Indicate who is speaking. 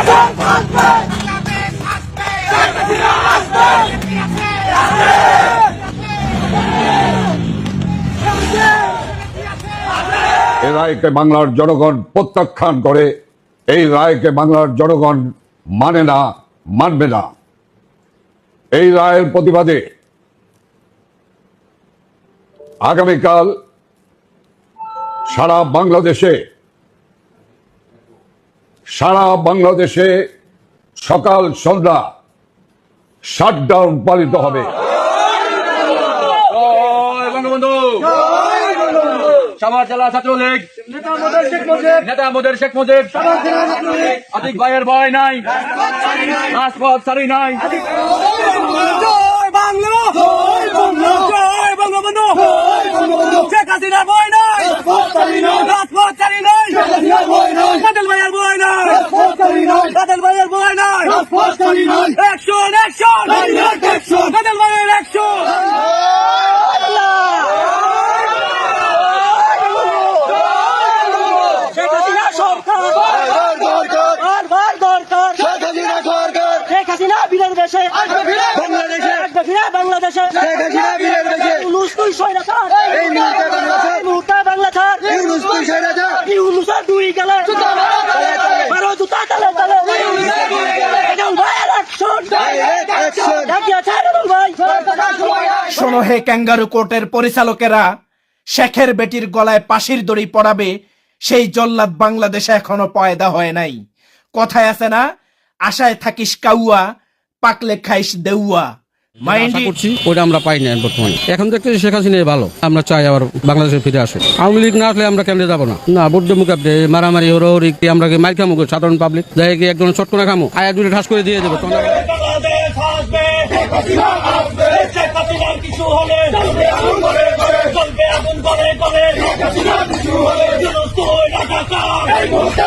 Speaker 1: এই রায়কে বাংলার জনগণ প্রত্যাখ্যান করে, এই রায়কে বাংলার জনগণ মানে না, মানবে না। এই রায়ের প্রতিবাদে আগামীকাল সারা বাংলাদেশে সকাল সন্ধ্যা শাটডাউন পালিত হবে।
Speaker 2: সাভার জেলা ছাত্রলীগ নেতা মোদের শেখ মুজিব, আতিক ভাইয়ের ভয় নাই, রাজপথ ছাড়ি নাই। শেখ হাসিনার ভয় নাই, রাজপথ ছাড়ি নাই। বাদল ভাইয়ের ভয় নাই, বাদল ভাইয়ের ভয় নাই। অ্যাকশন অ্যাকশন, বাদল ভাইয়ের অ্যাকশন। বাংলাদেশে
Speaker 3: শোনো হে ক্যাঙ্গারু কোর্টের পরিচালকেরা, শেখের বেটির গলায় পাশির দড়ি পড়াবে সেই জল্লাদ বাংলাদেশে এখনো পয়দা হয় নাই। কথায় আছে না, আশায় থাকিস কাউয়া, পাকলে খাইস দেউয়া।
Speaker 4: ওটা আমরা পাই না বর্তমানে। এখন দেখতেছি শেখ হাসিনাই ভালো। আমরা চাই আবার বাংলাদেশে ফিরে আসুক। আওয়ামী লীগ না আসলে আমরা কেন্দ্রে যাবো না। বুদ্ধ মুখাব্দে মারামারি হরি আমরা মাইর খামো সাধারণ পাবলিক যাই কি একজন চটকোনা খামো, আয়া দূরে ঠাস করে দিয়ে দেবো।
Speaker 2: কিছু হলে